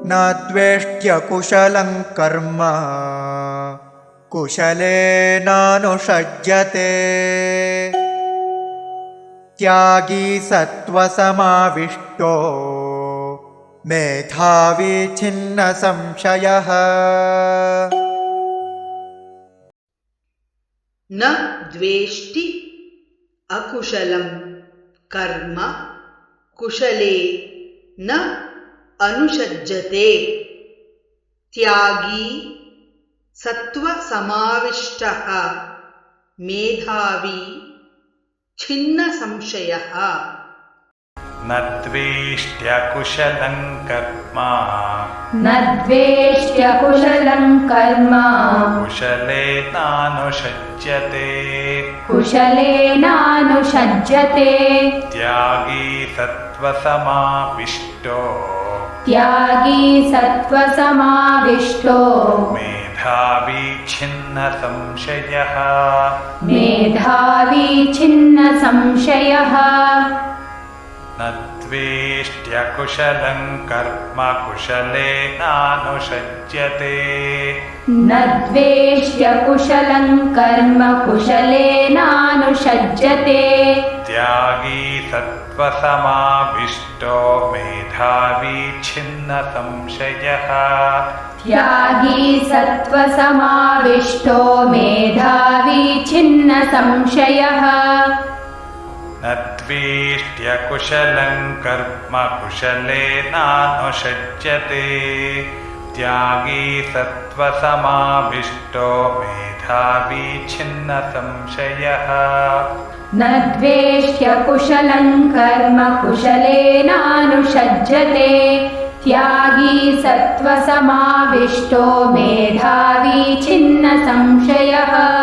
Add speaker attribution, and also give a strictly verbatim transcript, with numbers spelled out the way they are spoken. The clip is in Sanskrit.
Speaker 1: न द्वेष्ट्यकुशलं कर्म कुशलेनानुषज्यते त्यागी सत्त्वसमाविष्टो मेधावी छिन्न संशयः
Speaker 2: न द्वेष्टि अकुशलं कर्म कुशले न अनुषज्यते त्यागी सत्त्वसमाविष्टः मेधावी छिन्न संशयः
Speaker 3: न द्वेष्ट्यकुशलं कर्म
Speaker 4: न द्वेष्ट्यकुशलं कर्म
Speaker 3: कुशलेनानुषज्यते
Speaker 4: कुशलेनानुषज्यते
Speaker 3: त्यागी सत्त्वसमाविष्टो
Speaker 4: त्यागी सत्त्वसमाविष्टो
Speaker 3: मेधावी छिन्न संशयः
Speaker 4: मेधावी छिन्न संशयः
Speaker 3: न द्वेष्ट्यकुशलं कर्म कुशलेनानुषज्यते
Speaker 4: न द्वेष्ट्यकुशलं कर्म कुशलेनानुषज्यते
Speaker 3: त्यागी सत्त्वसमाविष्टो मेधावी छिन्न संशयः
Speaker 4: त्यागी सत्त्वसमाविष्टो मेधावी छिन्न संशयः
Speaker 3: न द्वेष्ट्यकुशलं कर्म कुशलेनानुषज्यते त्यागी सत्त्वसमाविष्टो मेधावी छिन्न संशयः
Speaker 4: न द्वेष्ट्यकुशलं कर्म कुशलेनानुषज्यते त्यागी सत्त्वसमाविष्टो मेधावी छिन्न संशयः